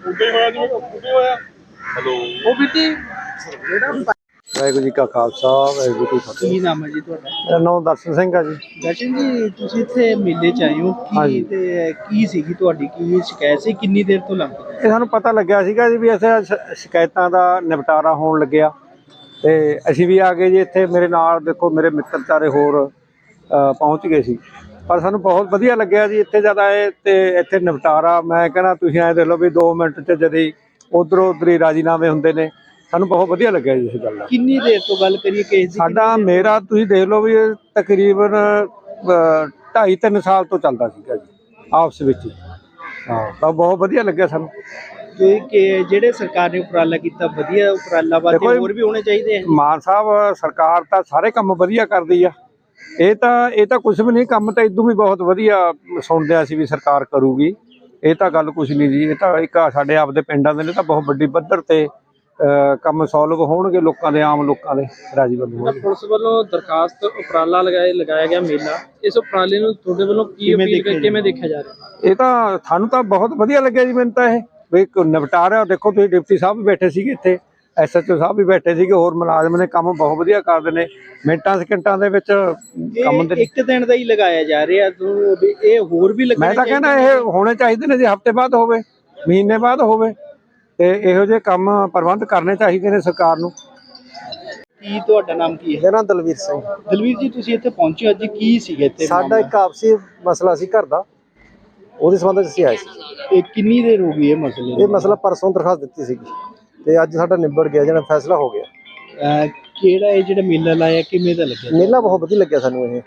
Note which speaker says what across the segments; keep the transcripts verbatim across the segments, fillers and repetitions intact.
Speaker 1: ਉਹ ਬੀਟੀ
Speaker 2: ਵਾਹਿਗੁਰੂ ਜੀ ਕਾ ਖਾਲਸਾ ਵਾਹਿਗੁਰੂ ਜੀ ਕੀ ਫਤਿਹ।
Speaker 1: ਕੀ ਨਾਮ ਹੈ ਜੀ ਤੁਹਾਡਾ?
Speaker 2: ਮੇਰਾ ਨਾਮ ਦਰਸ਼ਨ ਸਿੰਘ ਆ ਜੀ।
Speaker 1: ਦਰਸ਼ਨ ਜੀ, ਤੁਸੀਂ ਇੱਥੇ ਮੇਲੇ 'ਚ ਆਏ ਹੋ ਕੀ ਤੇ ਕੀ ਸੀਗੀ ਤੁਹਾਡੀ ਕੀ ਸ਼ਿਕਾਇਤ ਸੀ, ਕਿੰਨੀ ਦੇਰ ਤੋਂ ਲੰਘ ਰਹੀ?
Speaker 2: ਇਹ ਸਾਨੂੰ ਪਤਾ ਲੱਗਿਆ ਸੀਗਾ ਜੀ ਵੀ ਇੱਥੇ ਸ਼ਿਕਾਇਤਾਂ ਦਾ ਨਿਪਟਾਰਾ ਹੋਣ ਲੱਗਿਆ ਤੇ ਅਸੀਂ ਵੀ ਆ ਗਏ ਜੀ ਇੱਥੇ। ਮੇਰੇ ਨਾਲ ਦੇਖੋ ਮੇਰੇ ਮਿੱਤਰ ਚਾਰੇ ਹੋਰ ਪਹੁੰਚ ਗਏ ਸੀ, ਪਰ ਸਾਨੂੰ ਬਹੁਤ ਵਧੀਆ ਲੱਗਿਆ ਜੀ ਇੱਥੇ ਜਦ ਆਏ ਤੇ ਇੱਥੇ ਨਿਪਟਾਰਾ। ਮੈਂ ਕਹਿੰਦਾ ਤੁਸੀਂ ਐਂ ਦੇਖ ਲਓ ਵੀ ਦੋ ਮਿੰਟ 'ਚ ਜਦੀ ਉੱਧਰੋਂ ਉੱਧਰ ਹੀ ਰਾਜੀਨਾਮੇ ਹੁੰਦੇ ਨੇ। ਸਾਨੂੰ ਬਹੁਤ ਵਧੀਆ ਲੱਗਿਆ ਜੀ ਇਸ ਗੱਲ ਦਾ।
Speaker 1: ਕਿੰਨੀ ਦੇਰ ਤੋਂ ਗੱਲ ਕਰੀਏ ਕੇਸ ਦੀ?
Speaker 2: ਸਾਡਾ ਮੇਰਾ ਤੁਸੀਂ ਦੇਖ ਲਓ ਵੀ ਤਕਰੀਬਨ ਢਾਈ ਤਿੰਨ ਸਾਲ ਤੋਂ ਚੱਲਦਾ ਸੀਗਾ ਜੀ ਆਪਸ ਵਿੱਚ ਹੀ। ਹਾਂ, ਤਾਂ ਬਹੁਤ ਵਧੀਆ ਲੱਗਿਆ ਸਾਨੂੰ
Speaker 1: ਕਿ ਜਿਹੜੇ ਸਰਕਾਰ ਨੇ ਉਪਰਾਲਾ ਕੀਤਾ, ਵਧੀਆ ਉਪਰਾਲਾ ਵਾ, ਹੋਰ ਵੀ ਹੋਣੇ ਚਾਹੀਦੇ ਆ।
Speaker 2: ਮਾਨ ਸਾਹਿਬ ਸਰਕਾਰ ਤਾਂ ਸਾਰੇ ਕੰਮ ਵਧੀਆ ਕਰਦੀ ਆ। ਇਹ ਤਾਂ ਇਹ ਤਾਂ ਕੁਝ ਵੀ ਨਹੀਂ, ਕੰਮ ਤਾਂ ਇਦੋਂ ਵੀ ਬਹੁਤ ਵਧੀਆ ਸੁਣਦੇ ਆ ਅਸੀਂ ਵੀ ਸਰਕਾਰ ਕਰੂਗੀ। ਇਹ ਤਾਂ ਗੱਲ ਕੁਝ ਨਹੀਂ ਜੀ। ਇਹ ਤਾਂ ਇੱਕ ਸਾਡੇ ਆਪਦੇ ਪਿੰਡਾਂ ਦੇ ਨੇ ਤਾਂ ਬਹੁਤ ਵੱਡੀ ਪੱਧਰ ਤੇ ਕੰਮ ਸੋਲਵ ਹੋਣਗੇ, ਲੋਕਾਂ ਦੇ ਆਮ ਲੋਕਾਂ ਦੇ ਰਾਜੀ ਬੰਦੂ ਹੋਣਗੇ।
Speaker 1: ਪੁਲਿਸ ਵੱਲੋਂ ਦਰਖਾਸਤ ਉਪਰਾਲਾ ਲਗਾਏ ਲਗਾਇਆ ਗਿਆ ਮੇਲਾ, ਇਸ ਉਪਰਾਲੇ ਨੂੰ ਤੁਹਾਡੇ ਵੱਲੋਂ ਕੀ ਅਪੀਲ ਕਿਵੇਂ ਦੇਖਿਆ ਜਾ ਰਿਹਾ?
Speaker 2: ਇਹ ਤਾਂ ਸਾਨੂੰ ਤਾਂ ਬਹੁਤ ਵਧੀਆ ਲੱਗਿਆ ਜੀ। ਮੈਨੂੰ ਤਾਂ ਇਹ ਵੀ ਨਿਪਟਾਰਾ ਦੇਖੋ, ਤੁਸੀਂ ਡਿਪਟੀ ਸਾਹਿਬ ਵੀ ਬੈਠੇ ਸੀਗੇ ਇੱਥੇ, ਐਸ ਐਚ ਓ ਸਾਹਿਬ ਵੀ ਬੈਠੇ ਸੀਗੇ, ਹੋਰ ਮੁਲਾਜ਼ਮ ਨੇ ਕੰਮ ਬਹੁਤ ਵਧੀਆ ਕਰਦੇ ਨੇ। ਮਿੰਟਾਂ ਸਕਿੰਟਾਂ ਦੇ ਵਿੱਚ ਕੰਮ ਦੇ
Speaker 1: ਇੱਕ ਦਿਨ ਦਾ ਹੀ ਲਗਾਇਆ ਜਾ ਰਿਹਾ, ਇਹ ਹੋਰ ਵੀ ਲੱਗਣਾ?
Speaker 2: ਮੈਂ ਤਾਂ ਕਹਿੰਦਾ ਇਹ ਹੋਣੇ ਚਾਹੀਦੇ ਨੇ ਜੀ, ਹਫ਼ਤੇ ਬਾਅਦ ਹੋਵੇ, ਮਹੀਨੇ ਬਾਅਦ ਹੋਵੇ, ਤੇ ਇਹੋ ਜਿਹੇ ਕੰਮ ਪ੍ਰਬੰਧ ਕਰਨੇ ਚਾਹੀਦੇ ਨੇ ਸਰਕਾਰ ਨੂੰ।
Speaker 1: ਕੀ ਤੁਹਾਡਾ ਨਾਮ ਕੀ ਹੈ?
Speaker 2: ਮੇਰਾ ਨਾਮ ਦਲਵੀਰ ਸਿੰਘ।
Speaker 1: ਦਲਵੀਰ ਜੀ, ਤੁਸੀਂ ਇੱਥੇ ਪਹੁੰਚੇ ਅੱਜ, ਕੀ ਸੀਗਾ ਇੱਥੇ?
Speaker 2: ਸਾਡਾ ਇੱਕ ਆਪਸੀ ਮਸਲਾ ਸੀ ਘਰ ਦਾ, ਉਹਦੇ ਸੰਬੰਧ ਵਿੱਚ ਅਸੀਂ ਆਏ ਸੀ।
Speaker 1: ਇਹ ਕਿੰਨੀ ਦੇਰ ਹੋ ਗਈ ਇਹ ਮਸਲੇ?
Speaker 2: ਇਹ ਮਸਲਾ ਪਰਸੋਂ ਦਰਖਾਸਤ ਦਿੱਤੀ ਸੀਗੀ ਤੇ ਅੱਜ ਸਾਡਾ ਨਿਬੜ ਗਿਆ, ਜਿਹੜਾ ਫੈਸਲਾ ਹੋ ਗਿਆ।
Speaker 1: ਕਿਹੜਾ ਇਹ ਜਿਹੜਾ ਮੇਲਾ ਲਾਇਆ, ਕਿਵੇਂ ਦਾ ਲੱਗਿਆ?
Speaker 2: ਮੇਲਾ ਬਹੁਤ ਵਧੀਆ ਲੱਗਿਆ ਸਾਨੂੰ। ਇਹ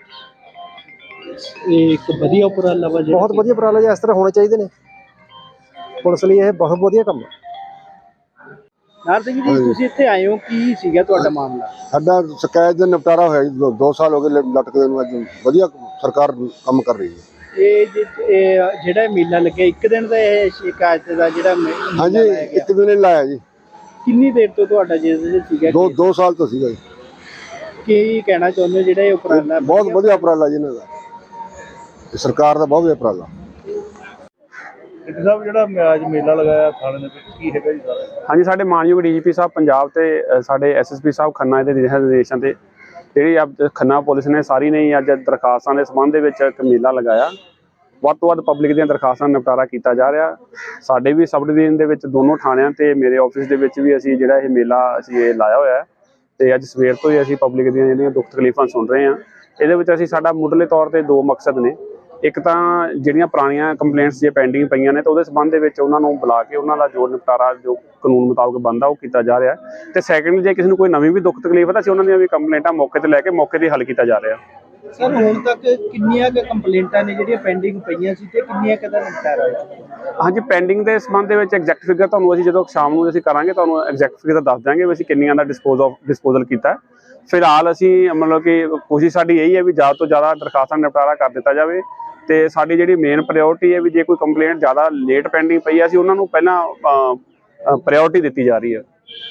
Speaker 1: ਇਹ ਇੱਕ ਵਧੀਆ ਉਪਰਾਲਾ ਵਾ,
Speaker 2: ਬਹੁਤ ਵਧੀਆ ਉਪਰਾਲਾ ਜੀ। ਇਸ ਤਰ੍ਹਾਂ ਹੋਣੇ ਚਾਹੀਦੇ ਨੇ ਪੁਲਿਸ ਲਈ, ਇਹ ਬਹੁਤ ਵਧੀਆ ਕੰਮ ਹੈ।
Speaker 1: ਨਾਰ ਸਿੰਘ ਜੀ, ਤੁਸੀਂ ਇੱਥੇ ਆਏ ਹੋ, ਕੀ ਸੀਗਾ ਤੁਹਾਡਾ ਮਾਮਲਾ?
Speaker 3: ਸਾਡਾ ਸ਼ਿਕਾਇਤ ਦਾ ਨਿਪਟਾਰਾ ਹੋਇਆ ਜੀ, ਦੋ ਸਾਲ ਹੋ ਗਏ ਲਟਕਦੇ ਨੂੰ। ਅੱਜ ਵਧੀਆ ਸਰਕਾਰ ਕੰਮ ਕਰ ਰਹੀ ਹੈ।
Speaker 1: ਇਹ ਜਿਹੜਾ ਮੇਲਾ ਲੱਗਿਆ ਇੱਕ ਦਿਨ ਦਾ, ਇਹ ਸ਼ਿਕਾਇਤ ਦਾ ਜਿਹੜਾ?
Speaker 3: ਹਾਂਜੀ, ਇੱਕ ਦਿਨ ਹੀ ਲਾਇਆ ਜੀ।
Speaker 1: ਕਿੰਨੀ ਦੇਰ ਤੋਂ ਤੁਹਾਡਾ ਜਿਹਦੇ ਸੀਗਾ?
Speaker 3: ਦੋ ਦੋ ਸਾਲ ਤੋਂ ਸੀਗਾ ਜੀ।
Speaker 1: ਕੀ ਕਹਿਣਾ ਚਾਹੁੰਦੇ ਹੋ ਜਿਹੜਾ ਇਹ ਉਪਰਾਲਾ?
Speaker 3: ਬਹੁਤ ਵਧੀਆ ਉਪਰਾਲਾ ਜੀ ਇਹਨਾਂ ਦਾ, ਸਰਕਾਰ ਦਾ ਬਹੁਤ ਵਧੀਆ ਉਪਰਾਲਾ।
Speaker 4: ਸਾਹਿਬ, ਜਿਹੜਾ ਅੱਜ ਮੇਲਾ ਲਗਾਇਆ ਥਾਣੇ ਦੇ ਵਿੱਚ, ਕੀ ਹੈਗਾ ਜੀ ਸਾਰਾ?
Speaker 5: ਹਾਂਜੀ, ਸਾਡੇ ਮਾਨਯੋਗ ਡੀ ਜੀ ਪੀ ਸਾਹਿਬ ਪੰਜਾਬ ਤੇ ਸਾਡੇ ਐਸ ਐਸ ਪੀ ਸਾਹਿਬ ਖੰਨਾ ਦੇ ਨਿਰਦੇਸ਼ਾਂ ਤੇ ਜਿਹੜੀ ਅੱਜ ਖੰਨਾ ਪੁਲਿਸ ਨੇ ਸਾਰੀ ਨੇ ਅੱਜ ਦਰਖਾਸਤਾਂ ਦੇ ਸੰਬੰਧ ਦੇ ਵਿੱਚ ਇੱਕ ਮੇਲਾ ਲਗਾਇਆ। ਵੱਧ ਤੋਂ ਵੱਧ ਪਬਲਿਕ ਦੀਆਂ ਦਰਖਾਸਤਾਂ ਦਾ ਨਿਪਟਾਰਾ ਕੀਤਾ ਜਾ ਰਿਹਾ। ਸਾਡੇ ਵੀ ਸਬ ਡਿਵੀਜ਼ਨ ਦੇ ਵਿੱਚ ਦੋਨੋਂ ਥਾਣਿਆਂ ਤੇ ਮੇਰੇ ਆਫਿਸ ਦੇ ਵਿੱਚ ਵੀ ਅਸੀਂ ਜਿਹੜਾ ਇਹ ਮੇਲਾ ਅਸੀਂ ਇਹ ਲਾਇਆ ਹੋਇਆ ਤੇ ਅੱਜ ਸਵੇਰ ਤੋਂ ਹੀ ਅਸੀਂ ਪਬਲਿਕ ਦੀਆਂ ਜਿਹੜੀਆਂ ਦੁੱਖ ਤਕਲੀਫਾਂ ਸੁਣ ਰਹੇ ਹਾਂ। ਇਹਦੇ ਵਿੱਚ ਅਸੀਂ ਸਾਡਾ ਮੁੱਢਲੇ ਤੌਰ ਤੇ ਦੋ ਮਕਸਦ ਨੇ। ਇੱਕ ਤਾਂ ਜਿਹੜੀਆਂ ਪੁਰਾਣੀਆਂ ਕੰਪਲੇਂਟਸ ਜੇ ਪੈਂਡਿੰਗ ਪਈਆਂ ਨੇ ਤਾਂ ਉਹਦੇ ਸੰਬੰਧ ਦੇ ਵਿੱਚ ਉਹਨਾਂ ਨੂੰ ਬੁਲਾ ਕੇ ਉਹਨਾਂ ਦਾ ਜੋ ਨਿਪਟਾਰਾ ਜੋ ਕਾਨੂੰਨ ਮੁਤਾਬਕ ਬਣਦਾ ਉਹ ਕੀਤਾ ਜਾ ਰਿਹਾ। ਤੇ ਸੈਕੰਡ, ਜੇ ਕਿਸੇ ਨੂੰ ਕੋਈ ਨਵੀਂ ਵੀ ਦੁੱਖ ਤਕਲੀਫ ਹੈ ਤਾਂ ਅਸੀਂ ਉਹਨਾਂ ਦੀਆਂ ਵੀ ਕੰਪਲੇਂਟਾਂ ਮੌਕੇ ਤੇ ਲੈ ਕੇ ਮੌਕੇ ਤੇ ਹੱਲ ਕੀਤਾ ਜਾ ਰਿਹਾ।
Speaker 1: ਸਰ, ਹੁਣ ਤੱਕ ਕਿੰਨੀਆਂ ਕੁ ਕੰਪਲੇਂਟਾਂ ਨੇ ਜਿਹੜੀਆਂ ਪੈਂਡਿੰਗ ਪਈਆਂ ਸੀ ਤੇ ਕਿੰਨੀਆਂ ਕੁ ਦਾ ਨਿਪਟਾਰਾ ਹੋਇਆ?
Speaker 5: ਹਾਂਜੀ, ਪੈਂਡਿੰਗ ਦੇ ਸੰਬੰਧ ਦੇ ਵਿੱਚ ਐਗਜ਼ੈਕਟ ਫਿਗਰ ਤੁਹਾਨੂੰ ਅਸੀਂ ਜਦੋਂ ਸ਼ਾਮ ਨੂੰ ਅਸੀਂ ਕਰਾਂਗੇ ਤੁਹਾਨੂੰ ਐਗਜ਼ੈਕਟ ਫਿਗਰ ਦੱਸ ਦਿਆਂਗੇ ਵੀ ਅਸੀਂ ਕਿੰਨੀਆਂ ਦਾ ਡਿਸਪੋਜ਼ ਆਫ ਡਿਸਪੋਜ਼ਲ ਕੀਤਾ। ਫਿਲਹਾਲ ਅਸੀਂ ਮਤਲਬ ਕਿ ਕੋਸ਼ਿਸ਼ ਸਾਡੀ ਇਹੀ ਹੈ ਵੀ ਜ਼ਿਆਦਾ ਤੋਂ ਜ਼ਿਆਦਾ ਦਰਖਾਸਤਾਂ ਦਾ ਨਿਪਟਾਰਾ ਕਰ ਦਿੱਤਾ ਜਾਵੇ। ਤੇ ਸਾਡੀ ਜਿਹੜੀ ਮੇਨ ਪ੍ਰਾਇਓਰਟੀ ਹੈ ਵੀ ਜੇ ਕੋਈ ਕੰਪਲੇਂਟ ਜ਼ਿਆਦਾ ਲੇਟ ਪੈਂਡਿੰਗ ਪਈ ਹੈ ਅਸੀਂ ਉਹਨਾਂ ਨੂੰ ਪਹਿਲਾਂ ਪ੍ਰਾਇਓਰਟੀ ਦਿੱਤੀ ਜਾ ਰਹੀ ਹੈ।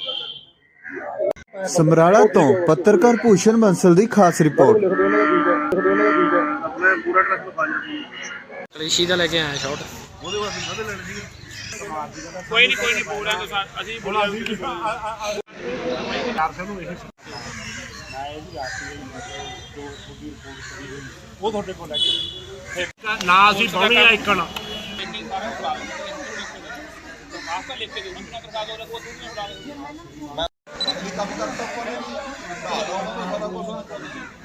Speaker 6: ਸਮਰਾਲਾ ਤੋਂ ਪੱਤਰਕਾਰ ਭੂਸ਼ਣ ਬੰਸਲ ਦੀ ਖਾਸ ਰਿਪੋਰਟ।
Speaker 1: ਕਲੇਸ਼ੀ ਦਾ ਲੈ ਕੇ ਆਇਆ ਸ਼ਾਟ।
Speaker 4: ਉਹਦੇ ਵਾਸਤੇ ਕਦੇ ਲੈਣ ਸੀ? ਕੋਈ ਨਹੀਂ ਕੋਈ ਨਹੀਂ ਪੂਰਾ ਅਸੀਂ ਬੋਲਾ ਚਾਰ ਸੌ ਨੂੰ ਇਹ ਉਹ ਤੁਹਾਡੇ ਕੋਲ ਲੈ ਕੇ ਨਾ ਅਸੀਂ ਪਾਉਣੀ ਆ ਇੱਕਣ ਲਿਖ ਕੇ ਦੇਣਾ ਬਿਨਾਂ ਦਰਖਾਸਤ ਉਹਦੇ ਕੋਲ ਦੂਜੀਆਂ ਬਣਾ